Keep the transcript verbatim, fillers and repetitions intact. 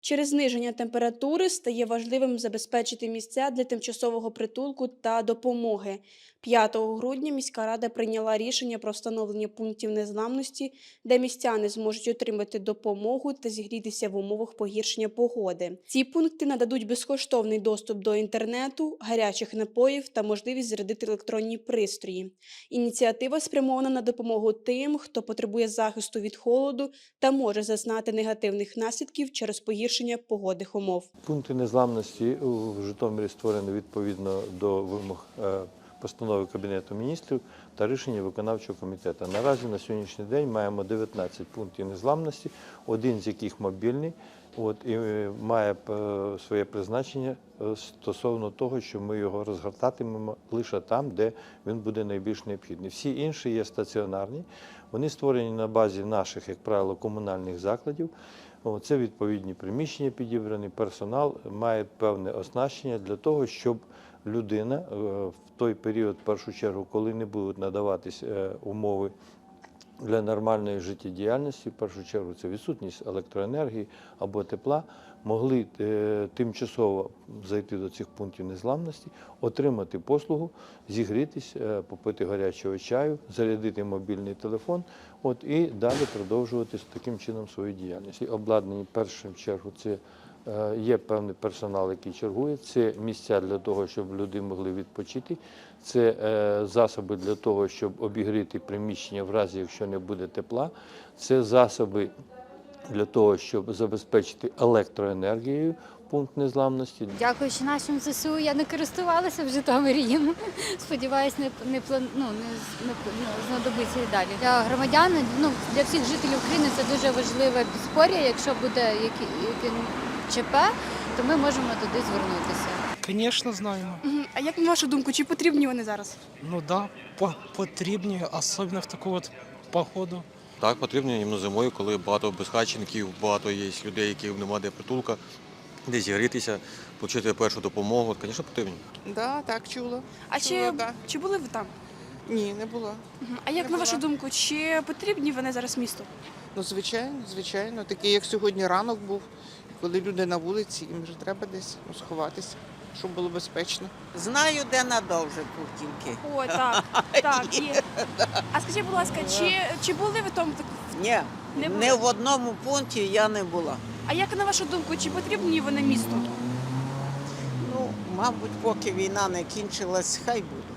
Через зниження температури стає важливим забезпечити місця для тимчасового притулку та допомоги. п'ятого грудня міська рада прийняла рішення про встановлення пунктів незламності, де містяни зможуть отримати допомогу та зігрітися в умовах погіршення погоди. Ці пункти нададуть безкоштовний доступ до інтернету, гарячих напоїв та можливість зарядити електронні пристрої. Ініціатива спрямована на допомогу тим, хто потребує захисту від холоду та може зазнати негативних наслідків через погіршення погодних умов. Пункти незламності в Житомирі створені відповідно до вимог е, постанови Кабінету міністрів та рішення виконавчого комітету. Наразі на сьогоднішній день маємо дев'ятнадцять пунктів незламності, один з яких мобільний, от, і має е, своє призначення е, стосовно того, що ми його розгортатимемо лише там, де він буде найбільш необхідний. Всі інші є стаціонарні, вони створені на базі наших, як правило, комунальних закладів. Це відповідні приміщення підібрані, персонал має певне оснащення для того, щоб людина в той період, в першу чергу, коли не будуть надаватись умови для нормальної життєдіяльності, в першу чергу це відсутність електроенергії або тепла, могли е, тимчасово зайти до цих пунктів незламності, отримати послугу, зігрітись, е, попити гарячого чаю, зарядити мобільний телефон от, і далі продовжувати таким чином свою діяльність. І обладнані, в першу чергу, це е, є певний персонал, який чергує, це місця для того, щоб люди могли відпочити, це е, засоби для того, щоб обігріти приміщення в разі, якщо не буде тепла, це засоби для того, щоб забезпечити електроенергією пункт незламності. Дякуючи нашим ЗСУ, я не користувалася в Житомирі їм. Сподіваюсь, не, не, план- ну, не, не ну, знадобиться і далі. Для громадян, ну, для всіх жителів України це дуже важливе підспор'я. Якщо буде який ЧП, то ми можемо туди звернутися. Звісно, знаємо. Мгм. А як на вашу думку, чи потрібні вони зараз? Ну так, да, потрібні, особливо в таку от погоду. Так, потрібно іменно зимою, коли багато безхатченків, багато є людей, яким немає де притулка, де зігрітися, отримати першу допомогу. Звісно, потрібно. Да, так, чула. А Чула, чи, да. чи були ви там? Ні, не була. Мгм. А як Не на вашу була. думку, чи потрібні вони зараз місту? Ну, звичайно, звичайно. Такий, як сьогодні ранок був, коли люди на вулиці, їм вже треба десь ну, сховатися, щоб було безпечно. Знаю, де надовже Путінки. О, так, так, є. А скажіть, будь ласка, чи, чи були ви там? Ні, Не не, було? в одному пункті я не була. А як на вашу думку, чи потрібні вони місту? Ну, мабуть, поки війна не кінчилась, хай буде.